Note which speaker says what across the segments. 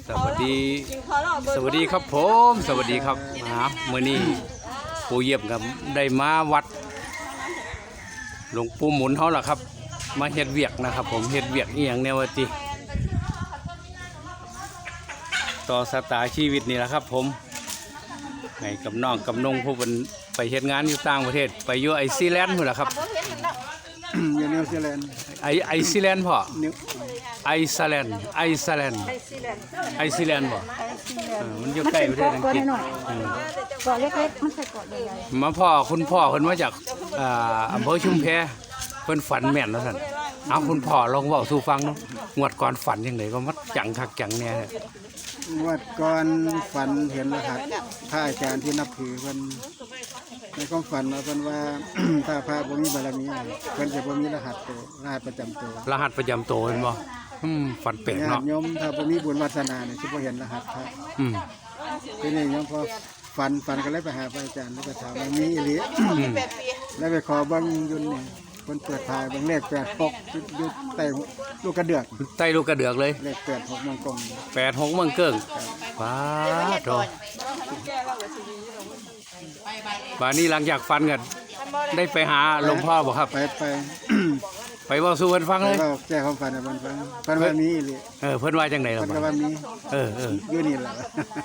Speaker 1: สวัสดีครับผมสวัสดีครับเมื่อนี้ปู่เยี่ยมกับได้มาวัดหลวงปู่หมุนเขาล่ะครับมาเฮ็ดเวียกนะครับผมเฮ็ดเวียกอีหยังแนวติต่อสตาชีวิตนี่แหละครับผมไงกับน้องกับนงผู้เป็นไปเฮ็ดงานอยู่ต่างประเทศไปอยู่ไอซีแลนด์พุ่นล่ะครับ
Speaker 2: อยู่นิวซีแลนด์
Speaker 1: ไอซีแลนด์พ่อไอซ์แลนด์บ่มันอยู่ใกล้ประเทศอังกฤษ
Speaker 3: เกาะเล็กๆมันใส่เกาะใหญ่
Speaker 1: ๆมาคุณพ่อเพิ่นมาจากอำเภอชุมแพเพิ่นฝันแม่นแล้วท่านเอาคุณพ่อลองเว้าสู่ฟังเนาะงวดก่อนฝันจังไดก็มัดจังคักจังแน่
Speaker 2: งวดก่อนฝันเห็นรหัสพระอาจารย์ที่นับถือเพิ่นในความฝันว่าเพิ่นว่า ถ้าพระบ่มีบารมีเพิ่นจะบ่มีรหัสประจำตัว
Speaker 1: รหัสประจำตัวเห็นบ่ฝันแปลกเนาะ
Speaker 2: โยมถ้าบ่มีบุญวาสนาเนี่ยสิบ่เห็นรหัสพระทีนี้โยมพอฝันก็เลยไปหาพระอาจารย์แล้วก็ถามว่ามีอีหลีแล้วไปขอเบิ่งยุ่นนี่เพิ่นเปิดทายเบิ่งเลข86อยู่ใต้ลูกกระเดือก
Speaker 1: ใต้ลูกกระเดือกเลย
Speaker 2: เลข86มังกร
Speaker 1: 86มังเกิ้งว้าโธ่บานี้หลังจากฟันกันได้ไปหาหลวงพ่อบ่ครับไปเว้าสู่เพิ่นฟังเลย
Speaker 2: แก้ความฝันให้เพิ่นฟังเพิ่นว่ามีอีหลี
Speaker 1: เพิ่นว่าจังได๋ล่ะ
Speaker 2: เพิ่นก็ว่ามีอยู่นี่ล่ะ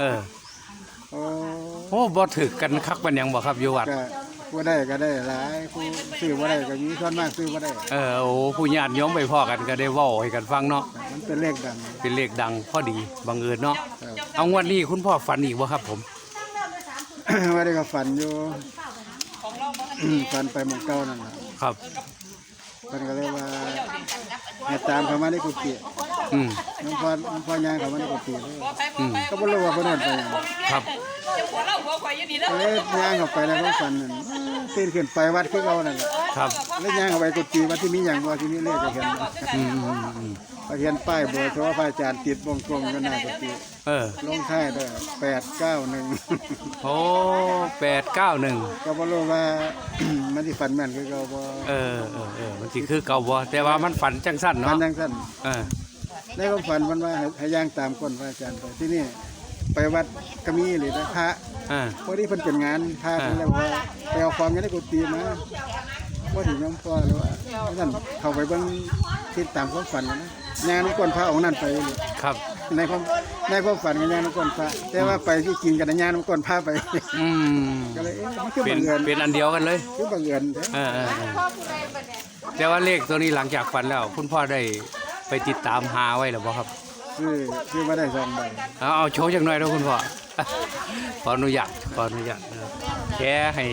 Speaker 1: โอ้บ่ถึกกันคักปานหยังบ่ครับอยู่วัด
Speaker 2: ก็ผู้ได้ก็ได้หลายผู้ซื้อบ่ได้ก็มีส่วนมากซื้อบ่ได้
Speaker 1: โอ้ผู้ญาติโยมไปพ้อกันก็ได้เว้าให้กันฟังเนาะ
Speaker 2: มันเป็นเลข
Speaker 1: ดังพอดีบังเอิญเนาะเอางวดนี้คุณพ่อฝันอีกบ่ครับผม
Speaker 2: ว่าได้ก็ฝันอยู่ฝันไปหมู่เก่านั่นล่ะ
Speaker 1: ครับ
Speaker 2: เพิ่นก็เลยว่าให้ตามเข้ามาในกุฏิน้องพ่อย่างเข้ามาในกุฏิเลยก็บ่รู้ว่าเพิ่นเอิ้นไปหยัง
Speaker 1: ครับ
Speaker 2: ย่างเข้าไปแล้วความฝันนั่นตื่นขึ้นไปวัดคือเก่านั่นแหละ
Speaker 1: ครับ
Speaker 2: แล้วย่างเข้าไปกุฏิวัดที่มีหยังบ่ที่มีเลขก็เห็นเห็นป้ายเบอร์โทรพระอาจารย์ติดวงกลมกันหน้ากุฏิลงท้ายด้วย891
Speaker 1: โอ้891
Speaker 2: ก็บ่รู้ว่ามันสิฝันแม่นคือเก่าบ่
Speaker 1: มันสิคือเก่าบ่แต่ว่ามันฝันจังสั้นเนาะ
Speaker 2: ฝันจังสั้นในความฝันมันว่าให้ย่างตามก้นพระอาจารย์ไปที่นี่ไปวัดก็มีเลยนะพระพอดีเพิ่นเป็นงานพระเพิ่นแล้วว่าไปเอาของอยู่ในกุฏิมาว่าถึงน้องพ่อแล้วว่านั่นเข้าไปเบิ่งคิดตามความฝันนะงานก้นพระองค์นั้นไป
Speaker 1: ครับ
Speaker 2: ในความฝันกับงานก้นพระแต่ว่าไปที่จริงกันงานก้นพระไปก็เลยมันคือบังเอิญ
Speaker 1: เป็นอันเดียวกันเลย
Speaker 2: คือบังเอิญ
Speaker 1: แต่ว่าเลขตัวนี้หลังจากฝันแล้วคุณพ่อได้ไปติดตามหาไว้หรือเปล่าครับ
Speaker 2: คือมาได้2 ใบ
Speaker 1: เอาโชว์จังหน่อยนะคุณพ่อขออนุญาตแค่ให้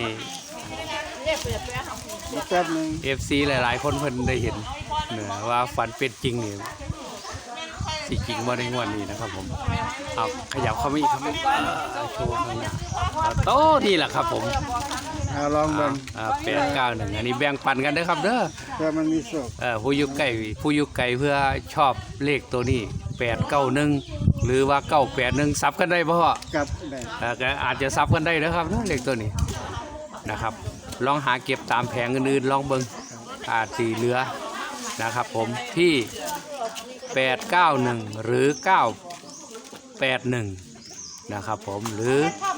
Speaker 2: แป๊บนึง
Speaker 1: FC หลายๆคนเพิ่นได้เห็นว่าฝันเป็นจริงนี่สิจริงบ่ในงวดนี้นะครับผมเอาขยับเข้ามาอีกครับโชว์ข้างหน้าโต๊ะนี่แหละครับผม
Speaker 2: ลองเบิ่ง
Speaker 1: 891อันนี้แบ่งปันกันเด้อครับเด้อ
Speaker 2: เพื่อมันมีโชค
Speaker 1: ผู้อยู่ไกลเพื่อชอบเลขตัวนี้891หรือว่า981ซับกันได้บ่พ่อ
Speaker 2: ครับได้
Speaker 1: อาจจะซับกันได้นะครับเลขตัวนี้นะครับลองหาเก็บตามแผงอื่นๆลองเบิ่งอาจสิเหลือนะครับผมที่891หรือ981นะครับผมหรือ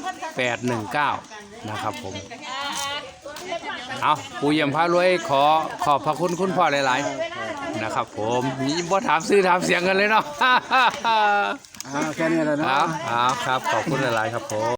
Speaker 1: 819นะครับผมเอาปู่เยี่ยมพารวยขอบพระคุณคุณพ่อหลายๆนะครับผมนี่บ่ถามซื้อถามเสียงกันเลยเนาะ
Speaker 2: แค่นี้แหละเนาะ
Speaker 1: ครับขอบคุณหลายๆครับผม